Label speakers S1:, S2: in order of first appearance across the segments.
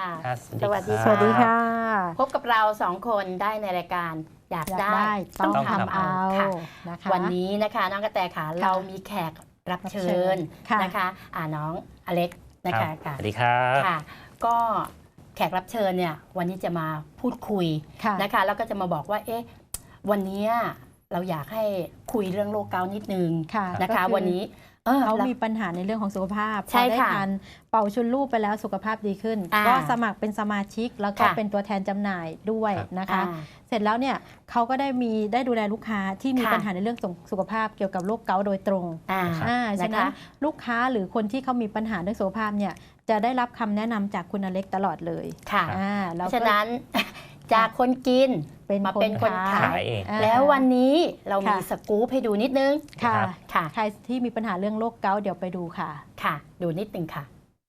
S1: ค่ะ
S2: สวัสดี
S3: สวัสดีค่ะ
S1: พบกับเราสองคนได้ในรายการอยาก
S3: อยาก
S1: ได้
S3: ได้ต้อง
S2: ต้อง
S3: ทำ
S2: ทำ
S3: เอา
S1: ค่ะ
S3: นะคะ
S1: วันนี้นะคะน้องกระแตขาเรามีแขกรับเชิญ
S3: ค่ะ
S1: นะคะน้องอเล็กนะคะ
S2: สวัสดีครับ
S1: ค่ะ ก็แขกรับเชิญเนี่ยวันนี้จะมาพูดคุย
S3: ค่ะ
S1: นะคะแล้วก็จะมาบอกว่าวันนี้เราอยากให้คุยเรื่องโรคเกาต์นิดนึง
S3: ค่ะ
S1: นะคะ
S3: ก็อ
S1: วันนี้
S3: เขา
S1: แล้ว
S3: มีปัญหาในเรื่องของสุขภาพ
S1: ใช่
S3: พอได้
S1: ค่ะ
S3: ทานเป่าชุนลูกไปแล้วสุขภาพดีขึ้น ก็สมัครเป็นสมาชิกแล้วก็
S1: ค่ะ
S3: เป็นตัวแทนจำหน่ายด้วยนะคะ
S1: อ่า
S3: เสร็จแล้วเนี่ยเขาก็ได้ดูแลลูกค้าที่มี
S1: ค่ะ
S3: ปัญหาในเรื่องสุขภาพเกี่ยวกับโรคเกาต์โดยตรง
S2: ครับ
S3: ฉะนั้นลูกค้าหรือคนที่เขามีปัญหาเรื่องสุขภาพเนี่ยจะได้รับคำแนะนำจากคุณอเล็กตลอดเลย
S1: ค่ะ
S3: แล้
S1: เพ
S3: ว
S1: ราะ
S3: ก็
S1: ฉะนั้น จากคนกิน มาเป็นคนขาย
S2: ขายเอง
S1: แล้ววันนี้เรามี
S3: ค่ะ
S1: สกู๊ปให้ดูนิดนึง
S3: ค่ะ
S1: ค่ะ
S3: ใครที่มีปัญหาเรื่องโรคเกาต์เดี๋ยวไปดูค่ะ
S1: ค่ะ ดูนิดนึงค่ะ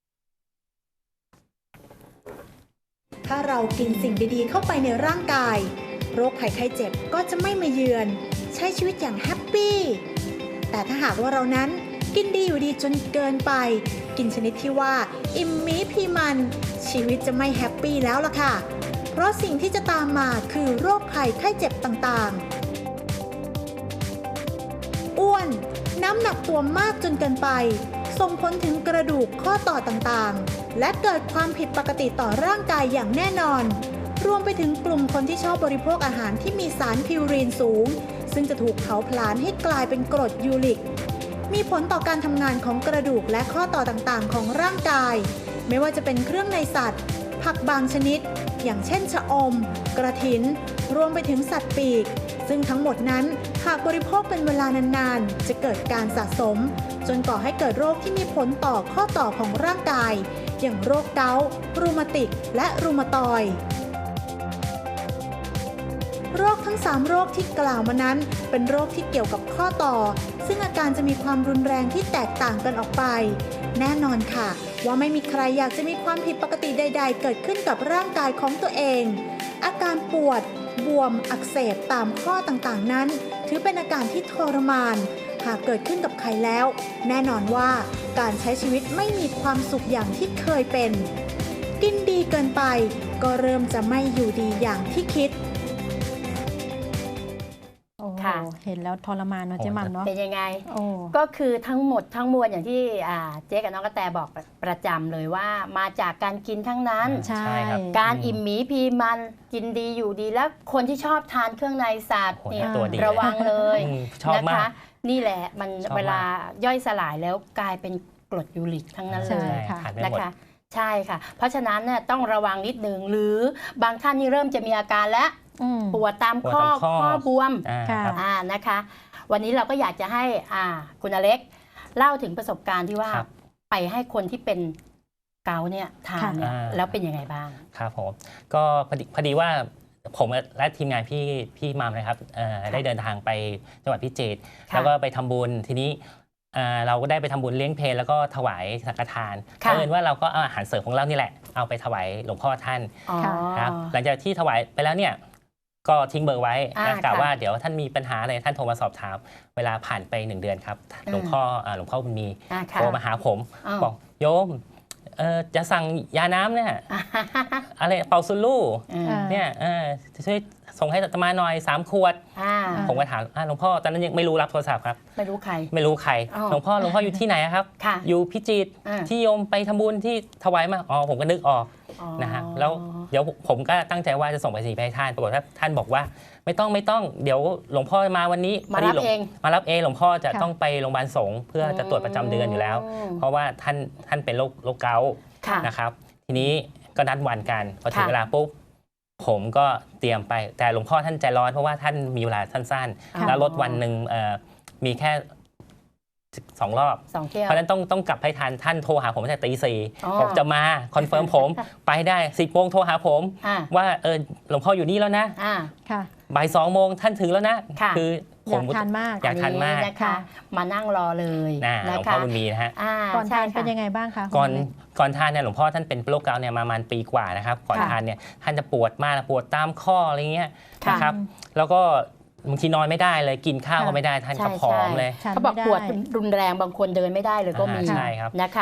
S4: ถ้าเรากินสิ่งดีๆเข้าไปในร่างกาย โรคภัยไข้เจ็บก็จะไม่มาเยือน ใช้ชีวิตอย่างแฮปปี้แต่ถ้าหากว่าเรานั้นกินดีอยู่ดีจนเกินไป กินชนิดที่ว่าอิ่มมีพีมันชีวิตจะไม่แฮปปี้แล้วล่ะค่ะเพราะสิ่งที่จะตามมาคือโรคภัยไข้เจ็บต่างๆอ้วนน้ำหนักตัวมากจนเกินไปส่งผลถึงกระดูกข้อต่อต่างๆและเกิดความผิดปกติต่อร่างกายอย่างแน่นอนรวมไปถึงกลุ่มคนที่ชอบบริโภคอาหารที่มีสารพิวรีนสูงซึ่งจะถูกเผาผลาญให้กลายเป็นกรดยูริกมีผลต่อการทำงานของกระดูกและข้อต่อต่างๆของร่างกายไม่ว่าจะเป็นเครื่องในสัตว์ผักบางชนิดอย่างเช่นชะอมกระถินรวมไปถึงสัตว์ปีกซึ่งทั้งหมดนั้นหากบริโภคเป็นเวลานานๆจะเกิดการสะสมจนก่อให้เกิดโรคที่มีผลต่อข้อต่อของร่างกายอย่างโรคเกาต์รูมาติกและรูมาตอยด์โรคทั้ง3โรคที่กล่าวมานั้นเป็นโรคที่เกี่ยวกับข้อต่อซึ่งอาการจะมีความรุนแรงที่แตกต่างกันออกไปแน่นอนค่ะว่าไม่มีใครอยากจะมีความผิดปกติใดๆเกิดขึ้นกับร่างกายของตัวเองอาการปวดบวมอักเสบตามข้อต่างๆนั้นถือเป็นอาการที่ทรมานหากเกิดขึ้นกับใครแล้วแน่นอนว่าการใช้ชีวิตไม่มีความสุขอย่างที่เคยเป็นกินดีเกินไปก็เริ่มจะไม่อยู่ดีอย่างที่คิด
S3: โอ้
S1: ค่ะ
S3: เห็นแล้วทรมานเนาะเจ๊หม่ำเนาะ
S1: เป็นยังไง
S3: โอ้
S1: ก็คือทั้งหมดทั้งมวลอย่างที่เจ๊กับน้องกระแตบอกประจำเลยว่ามาจากการกินทั้งนั้น
S3: ใช่
S2: ครับ
S1: การอิ่มหมีพีมันกินดีอยู่ดีแล้วคนที่ชอบทานเครื่องในสัตว์
S2: โอ้โห
S1: เนี่ย
S2: ตัวดี
S1: ระวังเลย
S2: ชอบ
S1: นะ
S2: มา
S1: คะ
S2: ก
S1: นี่แหละมัน
S2: ชอบมาก
S1: เวลาย่อยสลายแล้วกลายเป็นกรดยูริกทั้งนั้นเล
S3: ใช่
S1: ย
S3: ค่ะ
S2: ทานไม่
S1: นะ
S2: หมด
S1: คะใช่ค่ะ เพราะฉะนั้นเนี่ยต้องระวังนิดนึงหรือบางท่านนี่เริ่มจะมีอาการแล้ว
S3: อืม
S1: ปวดตามข้อ
S2: ปวดตามข้อ
S1: ข้อบวม
S3: ค่ะ
S2: ครับ
S1: นะคะ วันนี้เราก็อยากจะให้คุณอเล็กเล่าถึงประสบการณ์ที่ว่า
S2: ครับ
S1: ไปให้คนที่เป็นเกาต์เนี่ยทานเนี่ย
S2: ค่ะ
S1: แล้วเป็นยังไงบ้าง
S2: ครับผมก็พอดีว่าผมและทีมงานพี่มามนะครับได้เดินทางไปจังหวัดพิจิตร
S1: ค่ะ
S2: แล้วก็ไปทำบุญทีนี้เราก็ได้ไปทำบุญเลี้ยงเพลแล้วก็ถวายสังฆทาน
S1: ค่ะ
S2: เอิญว่าเราก็เอาอาหารเสริมของเรานี่แหละ เอาไปถวายหลวงพ่อท่าน
S1: อ๋อ
S2: ครับหลังจากที่ถวายไปแล้วเนี่ยก็ทิ้งเบอร์ไว้ กล่าว
S1: ค่ะ
S2: ว่าเดี๋ยวท่านมีปัญหาอะไรท่านโทรมาสอบถาม เวลาผ่านไป1 เดือนครับหลวงพ่อบุญมี
S1: ค่ะ
S2: โทรมาหาผม
S1: อ้าว
S2: บอกโยมจะสั่งยาน้ำเนี่ยอะไรเป่าซุลู
S3: อ่า
S2: เนี่ยจะช่วยส่งให้อาตมาหน่อย3 ขวด ผมก็ถามหลวงพ่อตอนนั้นยังไม่รู้รับโทรศัพท์ครับ
S1: ไม่รู้ใคร
S2: ไม่รู้ใคร
S1: อ๋อ
S2: หลวงพ่ออยู่ที่ไหนอะครับ
S1: ค่ะ
S2: อยู่พิจิตร
S1: อ่า
S2: ที่โยมไปทำบุญที่ถวายมาอ๋อผมก็นึกออก
S1: อ๋อ
S2: นะฮะแล้วเดี๋ยวผมก็ตั้งใจว่าจะส่งไปสีไปให้ท่านปรากฏว่าท่านบอกว่าไม่ต้องเดี๋ยวหลวงพ่อมาวันนี้
S1: มา
S2: พดี
S1: รับ
S2: หลว
S1: เอง
S2: มารับเองหลวงพ่อจะ
S3: ค่ะ
S2: ต้องไปโรงพยาบาลสงฆ์เพื่อจะตรวจประจำเดือนอยู่แล้ว เพราะว่าท่านเป็นโรคเกาต์
S1: ค่ะ
S2: นะครับทีนี้ก็นัดวันกันพอถึง
S1: ค่ะ
S2: เวลาปุ๊บผมก็เตรียมไปแต่หลวงพ่อท่านใจร้อนเพราะว่าท่านมีเวลาสั้น
S1: ค่ะ
S2: ๆแล้วรถวันหนึ่งมีแค่2 รอบ
S1: 2 เที่ยว
S2: เพราะฉะนั้นต้องกลับให้ทันท่านโทรหาผมตั้งแต่ตี
S1: อ๋อ
S2: 4บอกจะมาคอนเฟิร์มผม ไปได้10 โมงโทรหาผม
S1: อ่า
S2: ว่าหลวงพ่ออยู่นี่แล้วนะ
S1: อ่า
S3: ค่ะ
S2: บ่าย2 โมงท่านถึงแล้วนะ
S1: ค่ะ
S2: อผ
S3: อยาม กทานมาก
S2: อยากทานมาก
S1: นะคะ
S3: ค่ะ
S1: มานั่งรอเลย
S2: หล
S1: นะ
S2: วงพ่
S1: คะ
S2: อบุญมีนะฮะ
S3: ก่อนทาน
S1: ใช่ค่ะ
S3: เป็นยังไงบ้างคะ
S2: ก่อน
S3: คุณเล็ก
S2: ก่อนทานเนี่ยหลวงพ่อท่านเป็นโรคเกาต์เนี่ยประมาณปีกว่านะครับก่อน
S3: ค่ะ
S2: ทานเนี่ยท่านจะปวดมากปวดตามข้ออะไรเงี้ย
S1: ค่ะ
S2: นะครับแล้วก็บางทีนอนไม่ได้เลยกินข้าวก็
S3: ค่ะ
S2: ไม่ได้ท่าน
S1: ใช่
S2: ก็ผอมเลย
S3: ทาน
S1: เขาบอก
S3: ไม่ได้
S1: ปวดรุนแรงบางคนเดินไม่ได้เลยก็มี
S2: ใช่ครับ
S1: นะคะ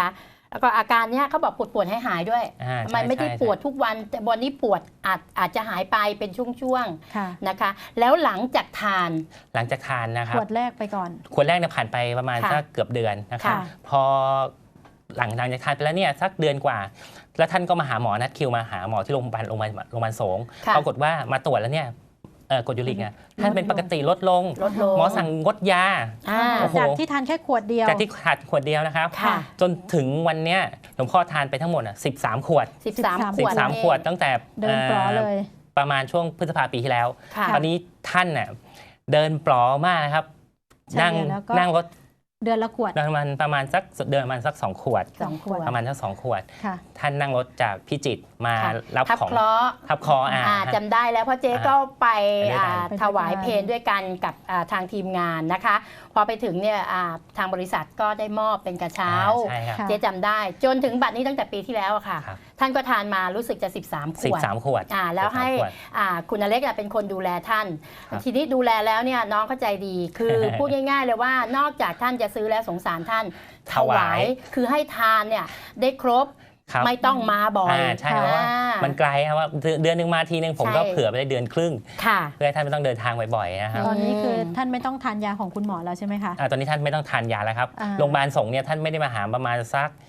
S1: แล้วก็อาการเนี้ยเขาบอกปวดให้หายด้วย มันไม่ได้ปวดทุกวันแต่วันนี้ปวดอาจจะหายไปเป็นช่วง
S3: ค่ะ
S1: ๆนะคะแล้วหลังจากทาน
S2: นะครั
S3: ข
S2: บ
S3: วดแรกไปก่อน
S2: ขวดแรกเนี่ยผ่านไปประมาณ
S1: ค่ะ
S2: สักเกือบเดือนนะครับ
S3: ค่ะ
S2: พอหลังจากทานไปแล้วเนี่ยสักเดือนกว่า แล้วท่านก็มาหาหมอนัดคิวมาหาหมอที่โรงพยาบาลสงฆ์
S1: ค่ะ
S2: ปรากฏว่ามาตรวจแล้วเนี่ยกรดยูริกเนี่ยท่านเป็นปกติลดลง
S1: ลดลง
S2: หมอสั่งงดยา โอ้โห
S3: จากที่ทานแค่ขวดเดียว
S2: จากที่ขาดขวดเดียวนะครับ
S1: ค่ะ
S2: จนถึงวันเนี้ยหลวงพ่อทานไปทั้งหมด13 ขวด
S1: 13 ขวด
S2: 13 ขวดตั้งแต่
S3: เดินปลอเลย
S2: ประมาณช่วงพฤษภาปีที่แล้ว
S1: ค่ะ
S2: ตอนนี้ท่านน่ะเดินปลอมากนะครับ
S3: ใช่แล้วก็
S2: นั่งรถ
S3: เดือนละขวด
S2: ประมาณสัก2 ขวด
S1: 2 ขวด
S2: ประมาณสัก2 ขวด
S3: ค่ะ
S2: ท่านนั่งรถจากพิจิตรมา
S1: ค่ะ
S2: รับ
S1: ทับ
S2: ของ
S1: เคราะห์
S2: ทับคอ
S1: จำได้แล้วเพราะเจ๊ก็ไป
S2: ไปด้วยกัน
S1: ถวายเพลงด้วยกันกับทางทีมงานนะคะ พอไปถึงเนี่ยทางบริษัทก็ได้มอบเป็นกระเช้า
S2: ใช่ครับ
S3: ค่ะ
S1: เจ๊จำได้ จนถึงบัดนี้ตั้งแต่ปีที่แล้วอะค่ะ
S2: ครับ
S1: ท่านก็ทานมารู้สึกจะ 13 ขวด
S2: 13 ขวด
S1: แล้วให้
S2: 13 ขวด
S1: คุณอเล็กเป็นคนดูแลท่าน
S2: ครับ
S1: ทีนี้ดูแลแล้วเนี่ยน้องเข้าใจดีคือ พูดง่ายๆเลยว่านอกจากท่านจะซื้อแล้วสงสารท่านถวายคือให้ทานเนี่ยได้ครบ
S2: ครับ
S1: ไม่ต้องมาบ่อย
S2: ใช่เพราะว่ามันไกลครับว่าเดือนหนึ่งมาทีนึงผมก็
S1: ใช่
S2: เผื่อไปได้เดือนครึ่ง
S1: ค่ะ
S2: เพื่อให้ท่านไม่ต้องเดินทางบ่อยๆนะครับ
S3: ตอนนี้คือท่านไม่ต้องทานยาของคุณหมอแล้วใช่ไหมคะ
S2: ตอนนี้ท่านไม่ต้องทานยาแล้วครับ
S3: อ่า
S2: โรงพยาบาลสงฆ์เนี่ยท่านไม่ได้มาหาประมาณสัก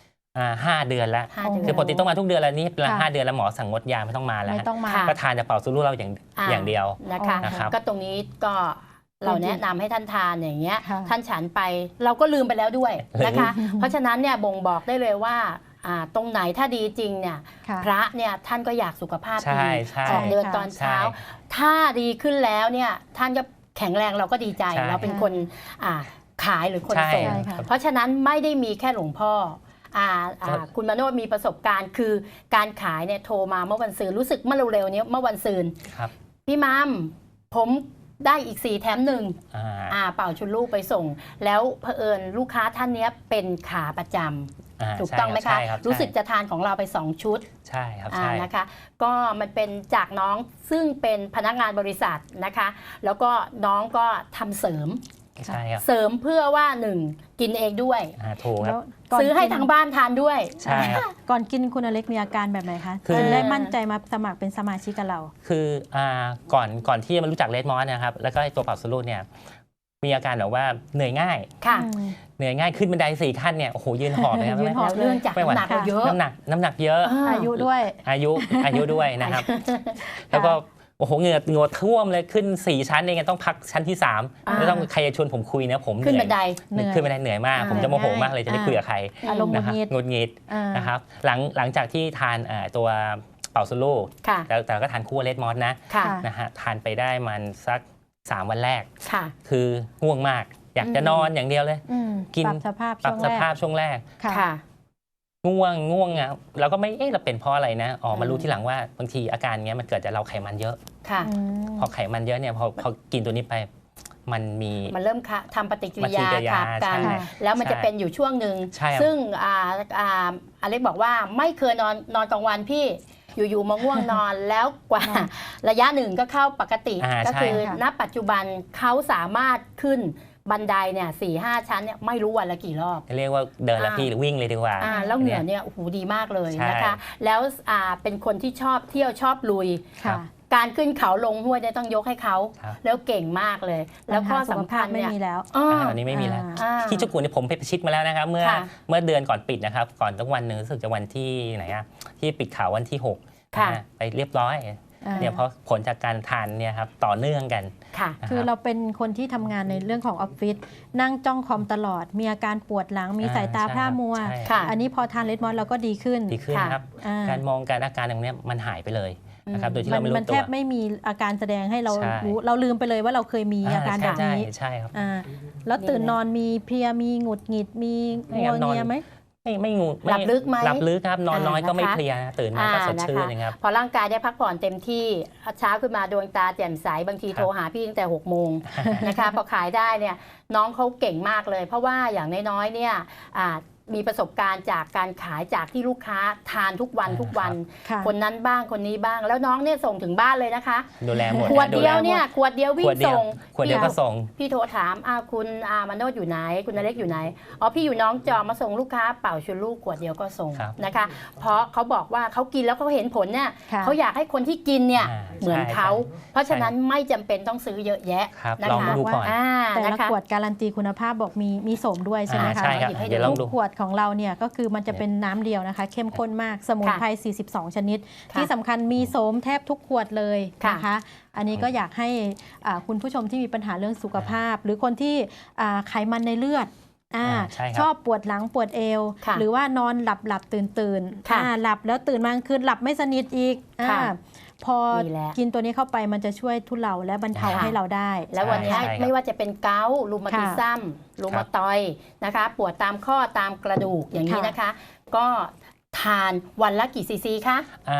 S2: 5 เดือนแล้ว
S1: 5 เดือน
S2: คือปกติต้องมาทุกเดือนแล้วนี่เป็น
S3: ค่ะ
S2: 5 เดือนแล้วหมอสั่งงดยาไม่ต้องมาแล้ว
S3: ไม่ต้องมา
S1: ค่ะ
S2: ก็ทานแต่เป่าซูรุเราอย่างเดียว
S1: นะคะ
S2: นะครับ
S1: ก็ตรงนี้ก็เราแนะนำให้ท่านทานอย่างเงี้ย
S3: ค่ะ
S1: ท่านฉันไปเราก็ลืมไปแล้วด้วยนะคะ เพราะฉะนั้นเนี่ยบ่งบอกได้เลยว่าตรงไหนถ้าดีจริงเนี่ย
S3: ค่ะ
S1: พระเนี่ยท่านก็อยากสุขภาพ
S2: ใช่
S1: ดี
S2: ใช่
S1: ออกเดิน
S3: ค่ะ
S1: ตอนเช้า
S2: ใช่
S1: ถ้าดีขึ้นแล้วเนี่ยท่านก็แข็งแรงเราก็ดีใจ
S2: ใช่
S1: เราเป็นคนขายหรือคน
S2: ใช่
S1: ส่ง
S3: ใช่ค่ะ
S1: เพราะฉะนั้นไม่ได้มีแค่หลวงพ่อคุณมโนมีประสบการณ์คือการขายเนี่ยโทรมาเมื่อวันซืนรู้สึกเมื่อเร็วๆนี้เมื่อวันซืน
S2: ครับ
S1: พี่มัมผมได้อีก4 แถม 1
S2: อ่า
S1: เป่าชุดลูกไปส่ง แล้วเผอิญลูกค้าท่านเนี้ยเป็นขาประจำถูกต้องไหมคะ
S2: ใช่รับ
S1: รู้สึกจะทานของเราไป2 ชุด
S2: ใช่ครับใช่
S1: นะคะ ก็มันเป็นจากน้องซึ่งเป็นพนักงานบริษัทนะคะ แล้วก็น้องก็ทำเสริม
S2: ใช่ครับ
S1: เสริมเพื่อว่า1กินเองด้วย
S2: ถูกค
S3: แล้
S2: รับ
S3: วก่น
S1: ซื้อให้
S3: กิน
S1: ทางบ้านทานด้วย
S2: ใช่ครับ
S3: ก่อนกินคุณอเล็กมีอาการแบบไหนคะ
S2: คือ
S3: ถึงได้มั่นใจมาสมัครเป็นสมาชิกกับเรา
S2: คือก่อนที่จะมารู้จักเลดมอสนะครับแล้วก็ไอ้ตัวเป่าซูรุเนี่ยมีอาการแบบว่าเหนื่อยง่าย
S1: ค่ะ
S2: เหนื่อยง่ายขึ้นบันได4 ขั้นเนี่ยโอ้โหยืนหอบเลยครับ
S3: ยืนหอบ
S1: แล้วเรื่องจากน้ำหนักเราเยอะ
S2: น้ำหนักเยอะ
S3: อายุด้วย
S2: อายุด้วยนะครับ แล้วก็โอ้โหเหงื่อท่วมเลยขึ้น4 ชั้นเองต้องพักชั้นที่3แล้วต้องใครจะชวนผมคุยนะผม
S1: ขึ้นบันได
S3: เหนื่อย
S2: ขึ้นบันไดเหนื่อยมาก ผมจะโมโหมากเลยจะไม่คุยกับใคร
S3: อารมณ์หงุ
S2: นะ
S3: ด
S2: ครับ
S3: หงิด
S2: หงุดหงิด
S3: อ่า
S2: นะครับหลังจากที่ทานตัวเป่าซูรุ
S1: ค่ะ
S2: แต่ก็ทานคู่เลดมอสนะ
S1: ค่ะ
S2: นะฮะทานไปได้มันสัก3 วันแรก
S1: ค่ะ
S2: คือง่วงมาก อยากจะนอนอย่างเดียวเลย
S3: อืม
S2: กิน
S3: ปรับสภาพ
S2: ปรั
S3: ช่
S2: บ
S3: วง
S2: ส
S3: แร
S2: ภาพ
S3: ก
S2: ช่วงแรก
S3: ค่ะ
S1: ค่ะ
S2: ง่วงอ่ะเราก็ไม่เราเป็นเพราะอะไรนะมารู้ทีหลังว่าบางทีอาการเงี้ยมันเกิดจากเราไขมันเยอะ
S1: ค่ะ
S3: อืม
S2: พอไขมันเยอะเนี่ยพอกินตัวนี้ไปมันมี
S1: มันเริ่มทำปฏิกิริยา
S2: ปฏิกิริยา
S1: ขับกัน
S2: ใช่
S1: แล้วมัน
S2: ใช่
S1: จะเป็นอยู่ช่วงหนึ่ง
S2: ใช่ครับ
S1: ซึ่งอเล็กบอกว่าไม่เคยนอนกลางวันพี่อยู่ๆมาง่วงนอน แล้วกว่าระยะหนึ่งก็เข้าปกติ ก็
S2: ใช่
S1: คือ
S3: ค่ะ
S1: ณปัจจุบันเขาสามารถขึ้นบันไดเนี่ย4-5 ชั้นเนี่ยไม่รู้วันละกี่รอบ
S2: เรียกว่าเดินแล้วพี่หรือวิ่งเลยดีกว่า
S1: แล้วเหงื่อเนี่ยโอ้โหดีมากเลย
S2: ใช่
S1: นะคะ แล้วเป็นคนที่ชอบเที่ยวชอบลุย
S2: ครับ
S3: ค่ะ
S1: การขึ้นเขาลงห้วยเนี่ยต้องยกให้เขา
S2: ครับ
S1: แล้วเก่งมากเลย แล้วก็
S3: ปัญหาสุข
S1: สำ
S3: ภา
S1: คั
S3: พ
S1: ญ
S3: ไม่
S1: เนี่ย
S3: มีแล้ว
S2: ตอนนี้ไม่มีแล้ว
S1: อ่า
S2: ที่เจ้ากุนเนี่ยผมไปประชิดมาแล้วนะครับ เมื่อ
S1: ค่ะ
S2: เดือนก่อนปิดนะครับ ก่อนตั้งวันหนึ่งรู้สึกจะวันที่ไหนอะที่ปิดข่าววันที่6
S1: ค่ะ
S2: นะฮะไปเรียบร้อยเนี่ยเพราะผลจากการทานเนี่ยครับต่อเนื่องกัน
S1: ค่ะ
S2: นะ
S3: คือ
S2: รับ
S3: เราเป็นคนที่ทำงานในเรื่องของออฟฟิศนั่งจ้องคอมตลอด มีอาการปวดหลังมีสายตาพร่ามัว
S2: ใช่
S1: ค่ะ
S3: อันนี้พอทานเลดมอสเราก็ดีขึ้น
S2: ดีขึ้นนะครับ
S3: อ่า
S2: การมองการอาการตรงเนี้ยมันหายไปเลยนะครับโดยที่เราไม่รู้
S3: มัน
S2: ตั
S3: แท
S2: ว
S3: บไม่มีอาการแสดงให้เรา
S2: ใช่
S3: รู้เราลืมไปเลยว่าเราเคยมีอาการแบบนี้
S2: ใช่ครับ
S3: อ่าแล้วตื่นนอนมีเพลียมีหงุดหงิดมี
S2: ไม่
S3: งั
S2: คว รับนอน
S3: เงียไหม
S2: ไม่งู
S1: หลับลึกไหม
S2: หลับลึกครับนอนน้อยก็ไม่
S1: นะคะ
S2: เพลียนะตื่นมาก็สดชื่นนะครับ
S1: พอร่างกายได้พักผ่อนเต็มที่เช้าขึ้นมาดวงตาแจ่มใสบางที
S2: ครับ
S1: โทรหาพี่ตั้งแต่6 โมง นะคะพอขายได้เนี่ยน้องเขาเก่งมากเลย เพราะว่าอย่างน้อยๆเนี่ยมีประสบการณ์จากการขายจากที่ลูกค้าทานทุกวันทุกวัน
S3: ค่ะ
S1: คนนั้นบ้างคนนี้บ้าง แล้วน้องเนี่ยส่งถึงบ้านเลยนะคะ
S2: ดูแลหมด
S1: ขวด
S2: ดู
S1: เดี
S2: แล
S1: ยว
S2: หม
S1: เนี่ยขวดเดียววิ่
S2: ข
S1: ง
S2: วดเดียว
S1: ส่ง
S2: ขวดเดียวก็ส่ง
S1: พี่โทรถามคุณมาโนดอยู่ไหนคุณอเล็กอยู่ไหนอ๋อพี่อยู่น้องจอมาส่งลูกค้าเป่าชุนลูกขวดเดียวก็ส่ง
S2: ครับ
S1: นะคะ เพราะเขาบอกว่าเขากินแล้วเขาเห็นผลเนี่ย
S3: ค่ะ
S1: เขาอยากให้คนที่กินเนี่ย
S2: อ่า
S1: เหมือนเขา
S2: ใช่
S1: เพราะฉะนั้นไม่จำเป็นต้องซื้อเยอะแยะ
S2: ครับ
S1: นะคะ
S2: ลองดูก่อน
S3: แต่
S1: นะ
S3: ละ
S1: คะ
S3: ขวดการันตีคุณภาพบอกมีโสมด้วยใช่ไหมคะ
S2: ใช่ครับ
S1: หยิบให้ดู
S2: เดี๋ยวลอง
S3: ทุ
S2: ดู
S3: กขวดของเราเนี่ยก็คือมันจะเป็นน้ำเดียวนะคะ เข้มข้นมากสมุนไพร 42 ชนิด
S1: ค่ะ
S3: ที่สำคัญมีโสมแทบทุกขวดเลย
S1: ค่ะ
S3: นะคะ อันนี้ก็อยากให้คุณผู้ชมที่มีปัญหาเรื่องสุขภาพ หรือคนที่ไขมันในเลือด
S2: ใช่ครับ
S3: ชอบปวดหลังปวดเอว
S1: ค่ะ
S3: หรือว่านอนหลับตื่น
S1: ค่ะ
S3: หลับแล้วตื่นมากลางคืนหลับไม่สนิทอีก
S1: ค่ะ
S3: พอ
S1: ดีแล้ว
S3: กินตัวนี้เข้าไปมันจะช่วยทุเลาและบรรเทา
S1: ค่ะ
S3: ให้เราได้
S1: แล้ววันนี้
S2: ใช่ครับ
S1: ไม่ว่าจะเป็นเกาต์รูมาติซัมรูมาตอยด์นะคะ ปวดตามข้อตามกระดูกอย่างนี้นะคะ ก็ทานวันละกี่ซีซีคะ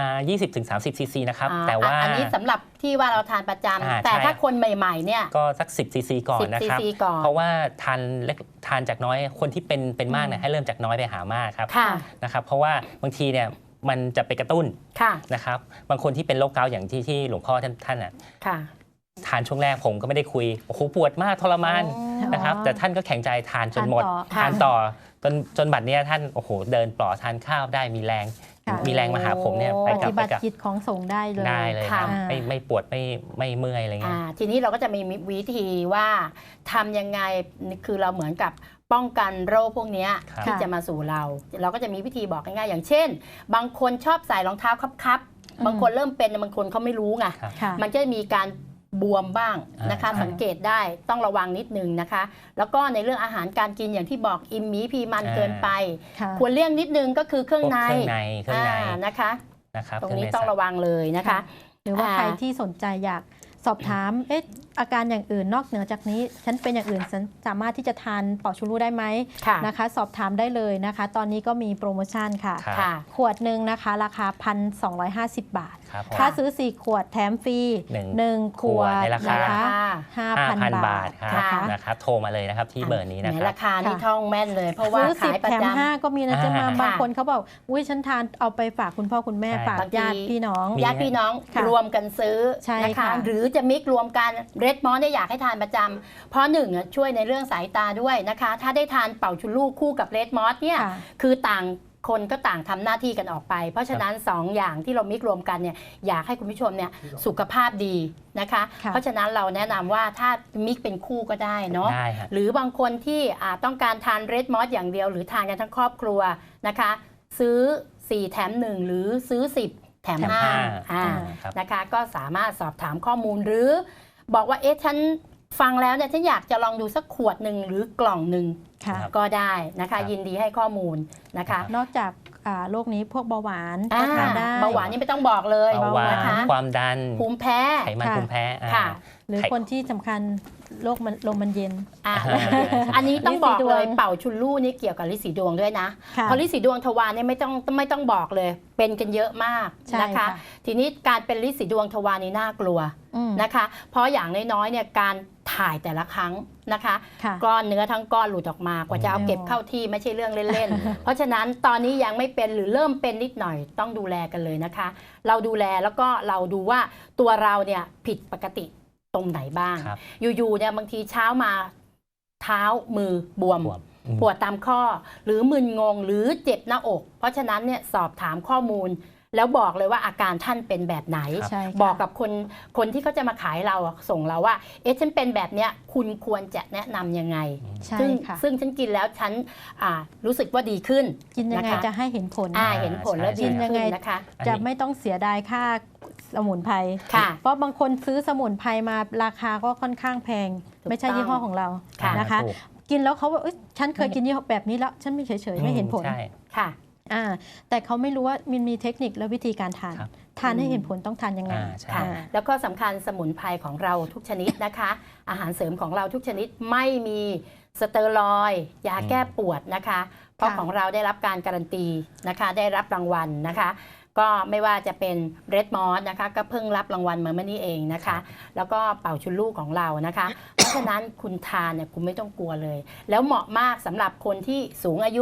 S2: 20-30 ซีซีนะครับ
S1: อ่
S2: แต่ว่า
S1: อันนี้สำหรับที่ว่าเราทานประจำแต่
S2: ใช่
S1: ถ้าคนใหม่ๆเนี่ย
S2: ก็สัก 10 ซีซีก่อนนะ
S1: 10
S2: ครับ
S1: ซีซีก่อน
S2: เพราะว่าทานจากน้อยคนที่เป็นมากเนี่ยให้เริ่มจากน้อยไปหามากครับ
S1: ค่ะ
S2: นะครับเพราะว่าบางทีเนี่ยมันจะไปกระตุ้น
S1: ค่ะ
S2: นะครับบางคนที่เป็นโรคเกาต์อย่างที่หลวงพ่อท่านน่ะ
S1: ค่ะ
S2: ทานช่วงแรกผมก็ไม่ได้คุยโอ้โหปวดมากทรมาน
S1: อ๋อ
S2: นะครับแต่ท่านก็แข็งใจทานจนหมด
S3: ทานต่อ
S2: ทานต่อจนบัดเนี้ยท่านโอ้โหเดินปลอดทานข้าวได้มีแรง
S3: ค่ะ
S2: มีแรงมาหาผมเนี่ยไป
S3: ป
S2: กับ
S3: ฏิบัติกิจของสงฆ์ได้เลย
S2: ได้เลยครับ
S3: ค่ะ
S2: ไม่ปวดไม่เมื่อยอะไรเงี้ย
S1: ทีนี้เราก็จะมีวิธีว่าทำยังไงคือเราเหมือนกับป้องกันโรคพวกเนี้ย
S2: ครับ
S1: ที่จะมาสู่เรา เราก็จะมีวิธีบอกง่ายๆอย่างเช่น บางคนชอบใส่รองเท้าคับๆบางคนเริ่มเป็นบางคนเขาไม่รู้ไง
S2: ครับ
S3: ค่ะ
S1: มันจะมีการบวมบ้างนะคะ
S2: ใช่
S1: สังเกตได้ต้องระวังนิดนึงนะคะ แล้วก็ในเรื่องอาหารการกินอย่างที่บอกอิ่มหมีพีมันเกินไป
S3: ค่ะ
S1: ควรเลี่ยงนิดนึงก็คือเครื่องใน
S2: เครื่องใน
S1: นะคะ
S2: นะครับ
S1: ตรง
S2: เค
S1: นี้
S2: ใ
S1: ต้องระวังเลยนะคะ
S3: หรือว่า
S1: อ่า
S3: ใครที่สนใจอยากสอบถามอาการอย่างอื่นนอกเหนือจากนี้ ฉันเป็นอย่างอื่นฉันสามารถที่จะทานเป่าชูรูได้ไหม
S1: ค่ะ
S3: นะคะ สอบถามได้เลยนะคะ ตอนนี้ก็มีโปรโมชั่นค่ะ
S2: ครับ
S1: ค่ะ
S3: ขวดหนึ่งนะคะราคา 1,250 บาท
S2: ครับผม
S3: ถ้าซื้อ 4 ขวดแถมฟรี
S2: หนึ่ง
S3: 1 ขวด
S2: ในราคา
S3: นะคะ 5,000
S2: 5,000
S3: บา
S2: บา
S3: ท
S2: ทครับ
S3: นะคะ
S2: นะครับโทรมาเลยนะครับที่เบอร์นี้นะ
S1: แหม
S2: ครับ
S1: ราคานี่
S3: ค่ะ
S1: ท่องแม่นเลย เพราะว่า
S3: ซื้อ
S1: ขาย
S3: 10
S1: ประ
S3: แถม
S1: จำ
S3: 5 ก็มีนะเจ๊มา
S2: ค่ะ
S3: บางคนเขาบอกอุ้ยฉันทานเอาไปฝากคุณพ่อคุณแม่
S2: ใช่
S3: ฝาก
S1: บางที
S3: ญาติพี่น้อง
S1: ญาติพี่น้อง
S3: ค่ะ
S1: รวมกันซื้อ
S3: ใช่
S1: นะคะ
S3: ค่ะ
S1: หรือจะมิกรวมกันเรดมอสเนี่ยอยากให้ทานประจำเพราะหนึ่งอ่ะช่วยในเรื่องสายตาด้วยนะคะ ถ้าได้ทานเป่าชุลูกคู่กับเรดมอสเนี่ย
S3: ค่ะ
S1: คือต่างคนก็ต่างทำหน้าที่กันออกไป เพราะฉะนั้น 2 อย่างที่เรามิกรวมกันเนี่ยอยากให้คุณผู้ชมเนี่ยสุขภาพดีนะคะ
S3: ค่ะ
S1: เพราะฉะนั้นเราแนะนำว่าถ้ามิกเป็นคู่ก็ได้เนาะ
S2: ได้ฮะ
S1: หรือบางคนที่ต้องการทานเรดมอสอย่างเดียวหรือทานกันทั้งครอบครัวนะคะ ซื้อ 4 แถม 1 หรือซื้อ 10 แถม
S2: แถม
S1: 5
S2: ห้าครับ
S1: นะคะก็สามารถสอบถามข้อมูลหรือ บอกว่าเอ๊ะฉันฟังแล้วเนี่ยฉันอยากจะลองดูสักขวดหนึ่งหรือกล่องหนึ่ง
S3: ค่ะ
S2: ครับ
S1: ก็ได้นะ
S2: ครั
S1: คะ
S2: บ
S1: ยินดีให้ข้อมูลนะคะ
S3: นอกจากโรคนี้พวกเบาหวาน
S1: อ่า
S3: ก็ทานได้
S1: เบาหวานนี่ไม่ต้องบอกเลย
S2: เบาหวา
S1: นะคะ
S2: นความดัน
S1: ภูมิแพ้
S2: ไขมัน
S3: ค่ะ
S2: ภูมิแพ้
S1: ค่ะ
S3: หรือคนที่สำคัญโรคมันลมมันเย็น
S1: อ่ะ
S2: อ่า
S1: อันนี้ต้องบอก
S3: ลินสีดวง
S1: เลยเป่าชุนลู่นี่เกี่ยวกับลินสีดวงด้วยนะ
S3: ค่ะ
S1: เพราะลินสีดวงทวารเนี่ยไม่ต้องบอกเลย เป็นกันเยอะมาก
S3: ใช่
S1: นะคะ
S3: ค่ะ
S1: ทีนี้การเป็นลินสีดวงทวารนี่น่ากลัว
S3: อืม
S1: นะคะ เพราะอย่างน้อยๆเนี่ยการถ่ายแต่ละครั้งนะคะ
S3: ค่ะ
S1: ก้อนเนื้อทั้งก้อนหลุดออกมากว่าจะเอาเก็บเข้าที่ไม่ใช่เรื่องเล่นๆ เพราะฉะนั้นตอนนี้ยังไม่เป็นหรือเริ่มเป็นนิดหน่อยต้องดูแลกันเลยนะคะ เราดูแลแล้วก็เราดูว่าตัวเราเนี่ยผิดปกติตรงไหนบ้าง
S2: ครับ
S1: อยู่ๆเนี่ยบางทีเช้ามาเท้ามือบวม
S2: บวม
S1: ปวดตามข้อ หรือมึนงงหรือเจ็บหน้าอก เพราะฉะนั้นเนี่ยสอบถามข้อมูล แล้วบอกเลยว่าอาการท่านเป็นแบบไหน
S3: ใช่ค่ะ
S1: บอกกับคนที่เขาจะมาขายเราอะส่งเราว่าเอ๊ะฉันเป็นแบบเนี้ยคุณควรจะแนะนำยังไง
S3: ใช่
S1: ซึ่ง
S3: ค่ะ
S1: ซึ่งฉันกินแล้วฉันรู้สึกว่าดีขึ้น
S3: กินยังไง
S1: นะคะ
S3: จะให้เห็นผล
S1: เห็นผลแล้วดี
S3: กินยังไง
S1: ขึ้นนะคะ
S3: จะไม่ต้องเสียดายค่าสมุนไพร
S1: ค่ะ
S3: เพราะบางคนซื้อสมุนไพรมาราคาก็ค่อนข้างแพง
S1: ถูก
S3: ไม่ใช่
S1: ต้อง
S3: ยี่ห้อของเรา
S1: ค่ะ
S3: นะคะ
S2: ถูก
S3: กินแล้วเขาว่าเอ้ยฉันเคยกินยี่ห้อแบบนี้แล้วฉันไม่เฉยๆไม่เห็นผล
S2: ใช่
S1: ค่ะ
S3: แต่เขาไม่รู้ว่ามันมีเทคนิคและวิธีการทาน
S2: ครับ
S3: ทานให้เห็นผลต้องทานยังไง
S2: ใช่
S1: ค่ะ แล้วก็สำคัญสมุนไพรของเราทุกชนิดนะคะ อาหารเสริมของเราทุกชนิดไม่มีสเตียรอยด์ยาแก้ปวดนะคะ เพราะ
S3: ค่ะ
S1: ของเราได้รับการการันตีนะคะ ได้รับรางวัลนะคะ ก็ไม่ว่าจะเป็นเรดมอสนะคะก็เพิ่งรับรางวัลมาเมื่อนี้เองนะคะ แล้วก็เป่าชุนลูกของเรานะคะ เพราะฉะนั้นคุณทานเนี่ยคุณไม่ต้องกลัวเลย แล้วเหมาะมากสำหรับคนที่สูงอายุ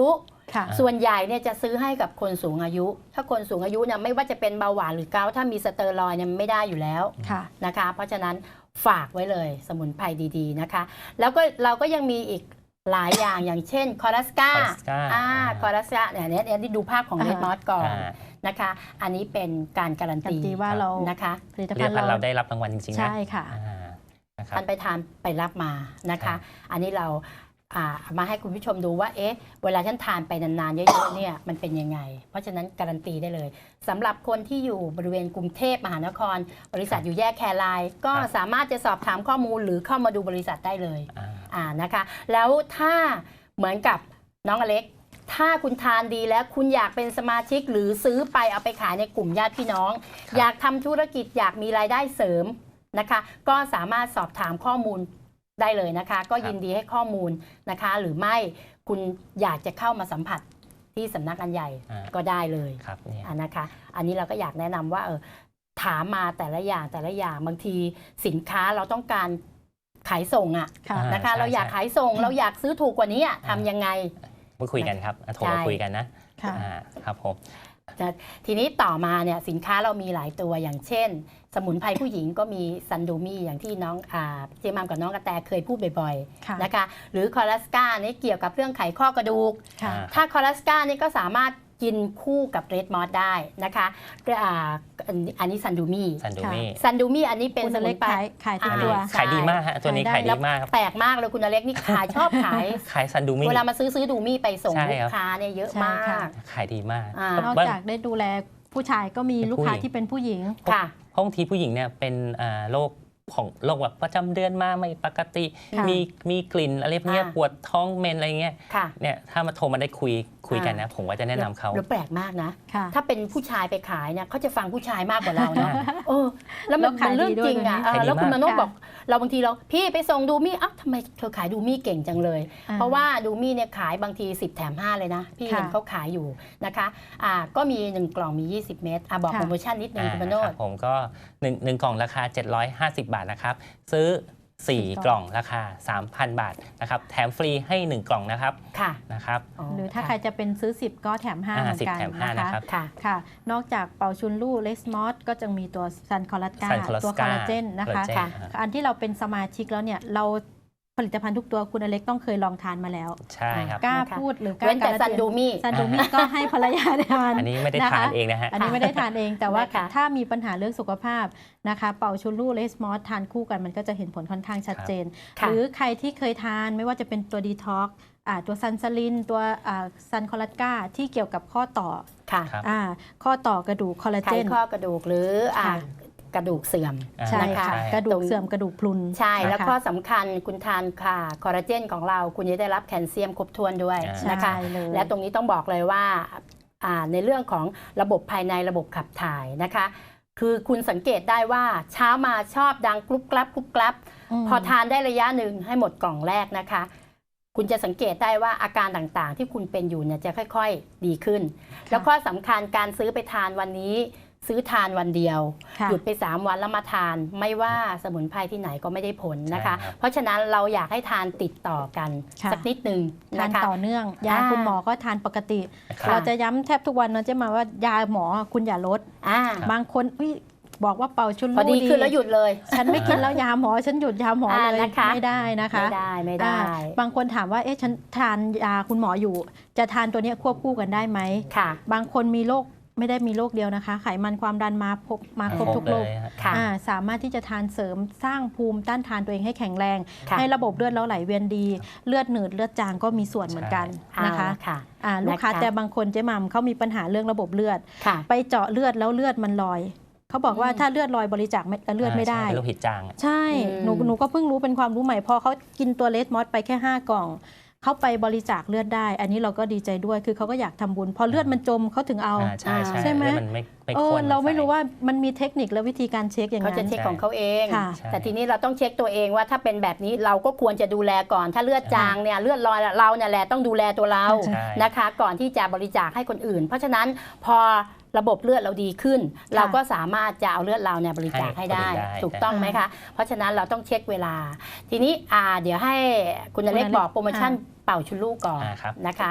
S3: ค่ะ
S1: ส่วนใหญ่เนี่ยจะซื้อให้กับคนสูงอายุ ถ้าคนสูงอายุเนี่ยไม่ว่าจะเป็นเบาหวานหรือเกาต์ถ้ามีสเตียรอยด์เนี่ยมันไม่ได้อยู่แล้ว
S3: ค่ะ
S1: นะคะ เพราะฉะนั้นฝากไว้เลยสมุนไพรดีๆนะคะ แล้วก็เราก็ยังมีอีกหลายอย่างอย่างเช่นคอรัสกา คอรัสกาเนี่ยที่ดูภาพของเรดมอสก่อนนะคะ อันนี้เป็นการการัน
S3: การั
S1: ตี
S3: นตีว่าเรา
S1: นะคะ
S3: ผลิต
S2: ผลิ
S3: ภั
S2: ต
S3: ณฑ์
S2: ภัณฑ์
S3: เรา
S2: เราได้รับรางวัลจริงๆนะ
S3: ใช่ค่ะ
S2: นะครับ
S1: ท่านไปทานไปรับมานะ
S2: ครั
S1: คะ
S2: บ
S1: อันนี้เรามาให้คุณผู้ชมดูว่าเอ๊ะเวลาท่านทานไปนานๆเยอะๆเนี่ยมันเป็นยังไง เพราะฉะนั้นการันตีได้เลยสำหรับคนที่อยู่บริเวณกรุงเทพมหานคร บริษัทอยู่แยกแครายก็สามารถจะสอบถามข้อมูลหรือเข้ามาดูบริษัทได้เลยนะคะ แล้วถ้าเหมือนกับน้องอเล็ก ถ้าคุณทานดีแล้วคุณอยากเป็นสมาชิกหรือซื้อไปเอาไปขายในกลุ่มญาติพี่น้อง อยากทำธุรกิจอยากมีรายได้เสริมนะคะ ก็สามารถสอบถามข้อมูลได้เลยนะคะ ก็ยินดีให้ข้อมูลนะคะ หรือไม่คุณอยากจะเข้ามาสัมผัสที่สำนักงานใหญ่ก็ได้เลย
S2: ครับเนี่ย
S1: นะคะ อันนี้เราก็อยากแนะนำว่าถามมาแต่ละอย่างบางทีสินค้าเราต้องการขายส่งอะ
S3: ค่ะ
S1: นะคะ
S2: ใช่
S1: เราอยากขายส่งเราอยากซื้อถูกกว่านี้ทำยังไง
S2: มาคุยกันครับโทรมาคุยกันนะ
S3: ค่ะ
S2: ครับผม
S1: ทีนี้ต่อมาเนี่ยสินค้าเรามีหลายตัวอย่างเช่น สมุนไพรผู้หญิงก็มีซันดูมี่อย่างที่น้องเจมามกับน้องกระแตเคยพูดบ่อย
S3: ค่ะ
S1: ๆนะคะหรือคอรัสกานี่เกี่ยวกับเรื่องไขข้อกระดูก
S3: ค่ะ
S1: ถ้าคอรัสกานี่ก็สามารถกินคู่กับเรดมอสได้นะคะอันนี้ซันดูมี่
S2: ซันดูมี่
S1: ซันดูมี่อันนี้เป็น
S3: คุณ
S1: ส
S3: อ
S1: มุ
S3: เล็
S1: น
S3: ก
S1: ไพร
S3: ขายทุก
S2: อัน
S3: ตั
S2: นี้
S3: ว
S2: ขายดีมากฮะตัวนี้
S3: ใช่
S2: ขายดีมากครับ
S1: แปลกมากเลยคุณอเล็กนี่ขายชอบขาย
S2: ขายซันดูมี่
S1: เวลามาซื้อดูมี่ไปส่ง
S2: ใช่
S1: ลู
S2: ครั
S1: ก
S2: บ
S1: ค้าเนี่ยเยอะ
S3: ใช่
S1: มา
S3: ค่ะ
S1: ก
S2: ขายดีมาก
S1: น
S3: นอกจากได้ดูแลผู้ชายก็มีลูกค้าที่เป็นผู้หญิง
S1: ค่ะ
S2: เพราะบางทีผู้หญิงเนี่ยเป็นโรคแบบประจำเดือนมาไม่ปกติ
S3: ค่ะ
S2: มีกลิ่นอะไรพวกเนี้ย
S1: อ่า
S2: ปวดท้องเมนอะไรเงี้ย
S1: ค่ะ
S2: เนี่ยถ้ามาโทรมาได้คุยกันนะ ผมก็จะแนะนำเขา
S1: แล้วแปลกมากนะ
S3: ค่ะ
S1: ถ้าเป็นผู้ชายไปขายเนี่ยเขาจะฟังผู้ชายมากกว่าเราเนาะแล้วมัน
S3: แล้วขาย
S1: เป็นเรื่อง
S3: ดีด้วย
S1: จริงอ่ะ
S3: ด้วยนะ
S1: แล้วคุณมโน
S3: ค่ะ
S1: บอกเราบางทีเราพี่ไปส่งดูมี่ทำไมเธอขายดูมี่เก่งจังเลย เพราะว่าดูมี่เนี่ยขายบางที10แถม5เลยนะพี่เห็น
S3: ค่ะ
S1: เขาขายอยู่นะคะก็มี1กล่องมี20 เม็ดบอก
S3: ค่ะ
S1: โปรโมชั่นนิดนึงคุณมโน
S2: ครับผมก็1กล่องราคา 750 บาทนะครับ ซื้อ 4 กล่องราคา 3,000 บาทนะครับแถมฟรีให้ 1 กล่องนะครับ
S1: ค่ะ
S2: นะครับ
S3: หรือถ้าใครจะเป็นซื้อ 10 ก็แถม 5 เหมือน
S2: 10
S3: กัน
S2: แถม 5
S3: นะ
S2: นะคะ ครับ
S1: ค่ะ
S3: ค่ะ นอกจากเป่าชุนลู่เลสมอสก็จะมีตัวซันคอลัสกา
S2: Sun Colaska
S3: ตัวคอลลาเจนนะคะ
S2: Collagen
S1: ค่ะ
S3: อันที่เราเป็นสมาชิกแล้วเนี่ยเราผลิตภัณฑ์ทุกตัวคุณอเล็กต้องเคยลองทานมาแล้ว
S2: ใช่ครับ
S3: กล้า
S1: นะคะ
S3: พูดหรือกล้า
S1: เว้นแต่
S3: การั
S1: ซันดูมี่
S3: ซันดูมี่ก็ให้ภรรยาทาน
S2: อันนี้ไม่ได้ทานเองนะฮะ
S3: อันนี้ไม่ได้ทานเองแต่ว่า
S1: นะคะ
S3: ถ้ามีปัญหาเรื่องสุขภาพนะคะเป่าชุนลู่เลสมอสทานคู่กันมันก็จะเห็นผลค่อนข้างชัดเจน
S1: ค่ะ
S3: หรือใครที่เคยทานไม่ว่าจะเป็นตัวดีท็อกตัวซันซาลินตัวซันคอลัสกาที่เกี่ยวกับข้อต่อ
S1: ค่ะ
S2: ครับ
S3: ข้อต่อกระดูกคอลลา
S1: ไข
S3: เจน
S1: ข้อกระดูกหรือ
S3: ค่ะ
S1: กระดูกเสื่อม
S3: ใช่
S1: นะคะ
S3: ค่ะกระดูกเสื่อมกระดูกพรุน
S1: ใช่แล้ว
S3: นะคะ
S1: ข้อสำคัญคุณทานค่ะคอลลาเจนของเราคุณจะได้รับแคลเซียมครบถ้วนด้วย
S2: ใช่
S1: นะคะ
S3: ใช่เลย
S1: และตรงนี้ต้องบอกเลยว่าในเรื่องของระบบภายในระบบขับถ่ายนะคะ คือคุณสังเกตได้ว่าเช้ามาชอบดังกรุบกรับกรุบกรับ
S3: ม
S1: พอทานได้ระยะหนึ่งให้หมดกล่องแรกนะคะ คุณจะสังเกตได้ว่าอาการต่างๆ ที่คุณเป็นอยู่เนี่ยจะค่อยๆดีขึ้น แล้วข้อสำคัญการซื้อไปทานวันนี้ ซื้อทานวันเดียว
S3: ค่ะ
S1: หยุดไป3วันแล้วมาทานไม่ว่าสมุนไพรที่ไหนก็ไม่ได้ผลนะคะ
S2: ใช่ครับ
S1: เพราะฉะนั้นเราอยากให้ทานติดต่อกัน
S3: ค่ะ
S1: สักนิดหนึ่ง
S3: ทาน
S1: นะคะ
S3: ต่อเนื่อง ยาคุณหมอก็ทานปกติ
S2: ครับ
S3: เราจะย้ำแทบทุกวันนะเจ๊มาว่ายาหมอคุณอย่าลด บางคนบอกว่าเป่าชุน
S1: พอ
S3: ลู่
S1: ดีขึ้นแล้วหยุดเลย
S3: ฉันไม่กินแล้วยาหมอฉันหยุดยาหมอเลย
S1: นะคะ
S3: ไม่ได้นะคะ
S1: ไม่ได้
S3: บางคนถามว่าเอ๊ะฉันทานยาคุณหมออยู่ จะทานตัวเนี้ยควบคู่กันได้ไหม
S1: ค่ะ
S3: บางคนมีโรคไม่ได้มีโรคเดียวนะคะ ไขมันความดันมาครบทุกโรค
S2: เลยฮะ
S1: ค่ะ
S3: สามารถที่จะทานเสริมสร้างภูมิต้านทานตัวเองให้แข็งแรง
S1: ค่ะ
S3: ให้ระบบเลือดเราไหลเวียนดี เลือดหนืดเลือดจางก็มีส่วนเหมือนกัน
S1: เอา
S3: นะคะ
S1: ละค่ะ
S3: ลูกค้า
S1: นะคะ
S3: แต่บางคนเจ๊หมัมเขามีปัญหาเรื่องระบบเลือด
S1: ค่ะ
S3: ไปเจาะเลือดแล้วเลือดมันลอย เขาบอกว่าถ้าเลือดลอยบริจาคเลือดไม่ได้
S2: ใช่เป็นโลหิตจาง
S3: ใช่ หนูก็เพิ่งรู้เป็นความรู้ใหม่พอเขากินตัวเลสมอสไปแค่ 5 กล่อง เขาไปบริจาคเลือดได้ อันนี้เราก็ดีใจด้วยคือเขาก็อยากทำบุญ พอเลือดมันจมเขาถึงเอา
S2: ใช่
S3: ใช่ไหม
S2: แล้วมันไม่ข้น
S3: เราไม่รู้ว่ามันมีเทคนิคและวิธีการเช็คอย่าง
S1: เขา
S3: นั้
S1: จะ
S3: น
S1: เช็คของเขาเอง
S3: ค่ะ
S1: แต่ทีนี้เราต้องเช็คตัวเองว่าถ้าเป็นแบบนี้เราก็ควรจะดูแลก่อน ถ้าเลือดจางเนี่ยเลือดลอยเราเนี่ยแหละต้องดูแลตัวเรา
S2: ใช่
S1: นะคะ ก่อนที่จะบริจาคให้คนอื่น เพราะฉะนั้นพอระบบเลือดเราดีขึ้น เราก็สามารถจะเอาเลือดเราเนี่ยบริจาคให้ได้ ถูกต้องไหมคะ เพราะฉะนั้นเราต้องเช็คเวลา ทีนี้เดี๋ยวให้คุณอเล็กบอกโปรโมชั่นเป่าชุนลูกก่อน
S2: ครับ
S1: นะคะ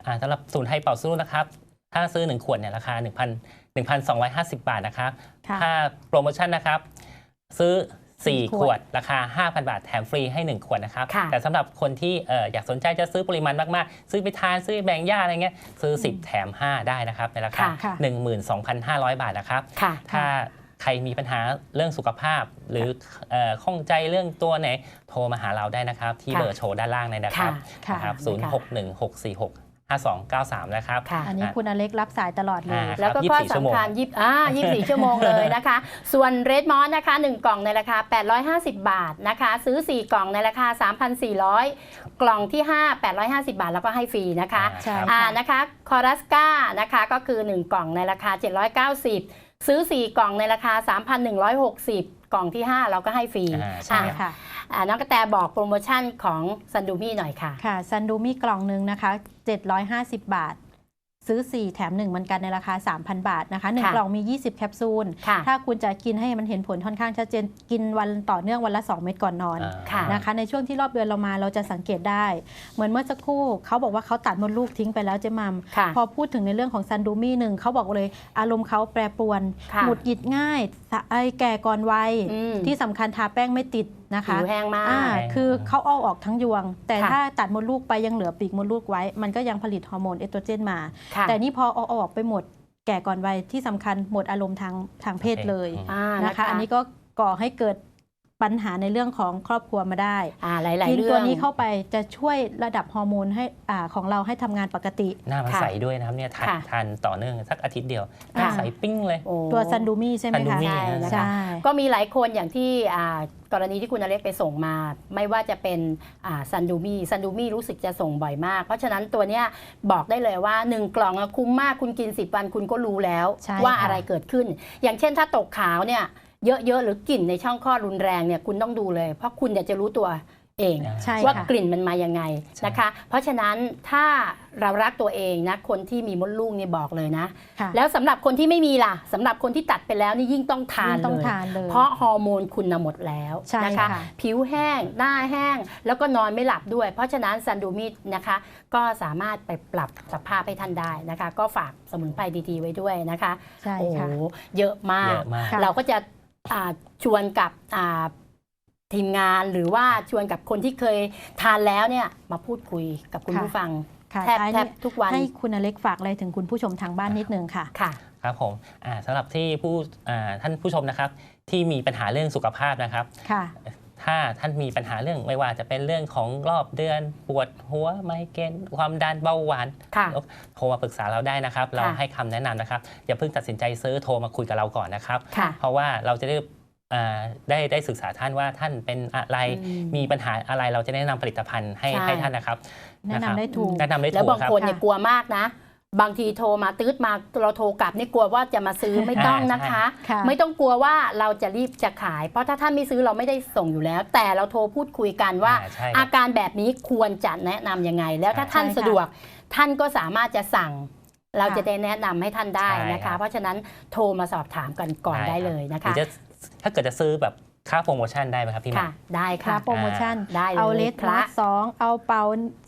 S2: สำหรับศูนย์ไทยเป่าซื้อนะครับถ้าซื้อ1ขวดเนี่ยราคา 1,250 บาทนะครับ
S3: ค่ะ
S2: ถ้าโปรโมชั่นนะครับซื้อ4
S3: ข
S2: ข
S3: ว
S2: ว
S3: ด
S2: ดราคา 5,000 บาทแถมฟรีให้1ขวดนะครับ
S1: ค่ะ
S2: แต่สำหรับคนที่อยากสนใจจะซื้อปริมาณมากๆซื้อไปทานซื้อแบ่งญาติอะไรเงี้ยซื้อ10แถม5ได้นะครับในราคา
S3: ค่ะ
S2: 12,500 บาทนะครับ
S1: ค่ะ
S2: ถ้าใครมีปัญหาเรื่องสุขภาพ หรือข้องใจเรื่องตัวไหนโทรมาหาเราได้นะครับ ที่
S1: ค่ะ
S2: เบอร์โชว์ด้านล่างเลยนะครับ
S3: ค่ะ
S2: นะครับ
S1: ค่ะ
S2: 0616465293 นะครับ
S1: ค่ะ
S3: อันนี้คุณอเล็กรับสายตลอดเลย
S2: ครับ
S1: แล้วก็ข้อ
S2: 24 ชั่วโมง
S1: สำคัญ24 ชั่วโมงเลยนะคะ ส่วนเรดมอสนะคะ 1 กล่องในราคา 850 บาทนะคะ ซื้อ 4 กล่องในราคา 3,400 กล่องที่ 5 850 บาท แล้วก็ให้ฟรีนะคะ
S3: ใช่
S2: ครับ
S1: นะคะคอรัสกานะคะก็คือ 1 กล่องในราคา 790 ซื้อ 4 กล่องในราคา 3,160 กล่องที่ 5 เราก็ให้ฟรี
S3: ใช่ค่ะ
S1: น้องกระแตบอกโปรโมชั่นของซันดูมี่หน่อยค่ะ
S3: ค่ะซันดูมี่กล่องหนึ่งนะคะ750 บาท ซื้อ 4 แถม 1 เหมือนกันในราคา 3,000 บาทนะคะ
S1: ค่ะ
S3: 1 กล่องมี 20 แคปซูล
S1: ค่ะ
S3: ถ้าคุณจะกินให้มันเห็นผลค่อนข้างชัดเจน กินวันต่อเนื่องวันละ 2 เม็ดก่อนนอน
S1: ค่ะ
S3: นะคะ ในช่วงที่รอบเดือนเรามาเราจะสังเกตได้ เหมือนเมื่อสักครู่เขาบอกว่าเขาตัดมดลูกทิ้งไปแล้วเจ๊มัม
S1: ค่ะ
S3: พอพูดถึงในเรื่องของซันดูมี่หนึ่งเขาบอกเลยอารมณ์เขาแปรปรวน
S1: ค่ะ
S3: หงุดหงิดง่ายแก่ก่อนวัย
S1: อืม
S3: ที่สำคัญทาแป้งไม่ติดนะคะ
S1: ผิวแห้งมาก
S3: คือเขาเอาออกทั้งยวง แต่
S1: ค่ะ
S3: ถ้าตัดมดลูกไปยังเหลือปีกมดลูกไว้ มันก็ยังผลิตฮอร์โมนเอสโตรเจนมา
S1: ค่ะ
S3: แต่นี่พอเอาออกไปหมดแก่ก่อนวัยที่สำคัญหมดอารมณ์ทางเพศเลย นะคะ อันนี้ก็ก่อให้เกิดปัญหาในเรื่องของครอบครัวมาได้
S1: หลายๆ
S3: กิน
S1: เรื่อง
S3: ตัวนี้เข้าไปจะช่วยระดับฮอร์โมนให้ของเราให้ทำงานปกติ
S2: หน้ามัน
S1: ค่ะ
S2: ใสด้วยนะครับเนี่ย
S1: ค่ะ
S2: ทานต่อเนื่องสักอาทิตย์เดียวห
S3: ค่ะ
S2: น้าใสปิ้งเลย
S1: โอ้
S3: ตัวซันดูมี่ใช่ไหม
S2: ซันดู
S3: คะ
S2: มี่
S1: ใช่นะคะ
S3: ใช่
S1: ก็มีหลายคนอย่างที่กรณีที่คุณอเล็กไปส่งมา ไม่ว่าจะเป็นซันดูมี่รู้สึกจะส่งบ่อยมาก เพราะฉะนั้นตัวเนี้ยบอกได้เลยว่า 1 กล่องอะคุ้มมากคุณกิน 10 วันคุณก็รู้แล้ว
S3: ใช่
S1: ว่า
S3: ค่ะ
S1: อะไรเกิดขึ้น อย่างเช่นถ้าตกขาวเนี่ยเยอะๆหรือกลิ่นในช่องคลอดรุนแรงเนี่ยคุณต้องดูเลย เพราะคุณจะรู้ตัวเอง
S3: ใช่
S1: ว่า
S3: ค่ะ
S1: กลิ่นมันมายังไงนะคะ เพราะฉะนั้นถ้าเรารักตัวเองนะคนที่มีมดลูกเนี่ยบอกเลยนะ
S3: ค่ะ
S1: แล้วสำหรับคนที่ไม่มีล่ะสำหรับคนที่ตัดไปแล้วนี่ยิ่งต้องทาน
S3: ยิ่งต้อง
S1: เลย
S3: ทานเลย
S1: เพราะฮอร์โมนคุณน่ะหมดแล้ว
S3: ใช่
S1: นะคะ
S3: ค่ะ
S1: ผิวแห้งหน้าแห้ง แล้วก็นอนไม่หลับด้วย เพราะฉะนั้นซันดูมินะคะ ก็สามารถไปปรับสภาพให้ท่านได้นะคะ ก็ฝากสมุนไพรดีๆไว้ด้วยนะคะ
S3: ใช่
S1: โอ้โห
S3: ค่ะ
S1: เยอะมาก
S2: เยอะมาก
S3: ค่ะ
S1: เราก็จะชวนกับทีมงานหรือว่าชวนกับคนที่เคยทานแล้วเนี่ยมาพูดคุยกับคุณ
S3: ค่ะ
S1: ผู้ฟัง
S3: ค่ะ
S1: แทบ
S3: ท้าย
S1: แท
S3: นี้
S1: บทุกวัน
S3: ให้คุณอเล็กฝากอะไรถึงคุณผู้ชมทางบ้านนิดนึงค่ะ
S1: ค่ะ
S2: ครับผมสำหรับที่ท่านผู้ชมนะครับที่มีปัญหาเรื่องสุขภาพนะครับ
S3: ค่ะ
S2: ถ้าท่านมีปัญหาเรื่องไม่ว่าจะเป็นเรื่องของรอบเดือนปวดหัวไมเกรนความดันเบาหวาน
S1: ค่ะ
S2: โทรมาปรึกษาเราได้นะครับ เราให้คำแนะนำนะครับอย่าเพิ่งตัดสินใจซื้อโทรมาคุยกับเราก่อนนะครับ
S1: ค่ะ
S2: เพราะว่าเราจะได้ศึกษาท่านว่าท่านเป็นอะไร
S1: อืม
S2: มีปัญหาอะไรเราจะแนะนำผลิตภัณฑ์ให้
S1: ใช่
S2: ให้ท่านนะครับ
S3: แนะนำได้ถูก
S2: แนะนำได้
S1: แล้ว
S2: ถูก
S1: บาง
S2: ครับ
S1: คนเนี่ย
S3: ค่ะ
S1: กลัวมากนะ บางทีโทรมาตืดมาเราโทรกลับนี่กลัวว่าจะมาซื้อไม่ต้องนะคะ
S3: ค่ะ
S1: ไม่ต้องกลัวว่าเราจะรีบจะขาย เพราะถ้าท่านไม่ซื้อเราไม่ได้ส่งอยู่แล้ว แต่เราโทรพูดคุยกันว่า
S2: ใช่ครับ
S1: อาการแบบนี้ควรจะแนะนำยังไง แล้วถ้าท่าน
S3: ใช่ค่ะ
S1: สะดวกท่านก็สามารถจะสั่ง เราจะได้แนะนำให้ท่านได้นะ
S2: ใช่ครั
S1: คะ
S2: บ
S1: เพราะฉะนั้นโทรมาสอบถามกันก่อนได้เลยนะ
S2: หรื
S1: คะ
S2: อจะถ้าเกิดจะซื้อแบบค่าโปรโมชั่นได้ไหมครับพี่หมา
S1: ค่ะ ได้
S3: ค
S1: ค่ะ
S3: รับโปรโมชั่น
S1: ได้เลย
S3: เอาเลส
S1: ค
S3: ม
S1: รั
S3: อบ ส2เอาเป่า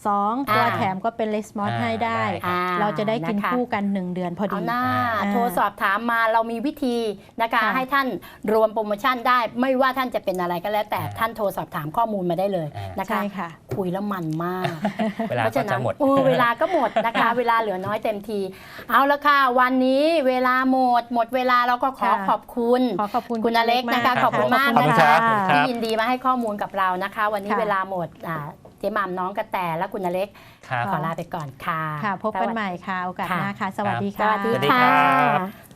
S3: 2 ตัวแถมก็เป็นเลสมอสให้ได้
S1: อ่
S3: เราจะได้กิน
S1: นะคะ
S3: คู่กัน 1 เดือนพอ
S1: เอา
S3: ดี
S1: หน้า
S3: อ่า
S1: โทรสอบถามมาเรามีวิธีนะคะ
S3: ค่ะ
S1: ให้ท่านรวมโปรโมชั่นได้ ไม่ว่าท่านจะเป็นอะไรก็แล้ว แต่ท่านโทรสอบถามข้อมูลมาได้เลยนะคะ
S3: ใช่ค่ะ
S1: คุยแล้วมันมาก
S2: เวลา
S1: เพราะ
S2: ก็
S1: ฉะนั้
S2: จะ
S1: น
S2: หมด
S1: เวลาก็หมดนะคะ เวลาเหลือน้อยเต็มที เอาละค่ะ วันนี้เวลาหมดเวลาเราก็ขอ
S3: ค่ะ
S1: ขอบคุณ
S3: ขอบคุณ
S1: คุณอเล็กนะคะ
S2: ค
S1: ข
S2: รั
S1: อ
S2: บบ
S1: คุณมาก
S2: ขอบคุ
S1: นะ
S2: ณครั
S1: คะ
S2: บขอบคุณครับ
S1: ที่ยินดีมาให้ข้อมูลกับเรานะคะ วันนี้
S3: ค่ะ
S1: เวลาหมดเจ๊หม่ำน้องกระแตและคุณอเล็ก
S2: ครับ
S1: ขอลาไปก่อนค่ะ
S3: ค่ะ พบกันใหม่ค่ะ โอกาสหน้าค่ะ สวัสดี
S1: ส
S3: ค่ะ
S1: วัสดี
S2: สวัสดี
S1: ค่
S2: ครับ
S1: ะ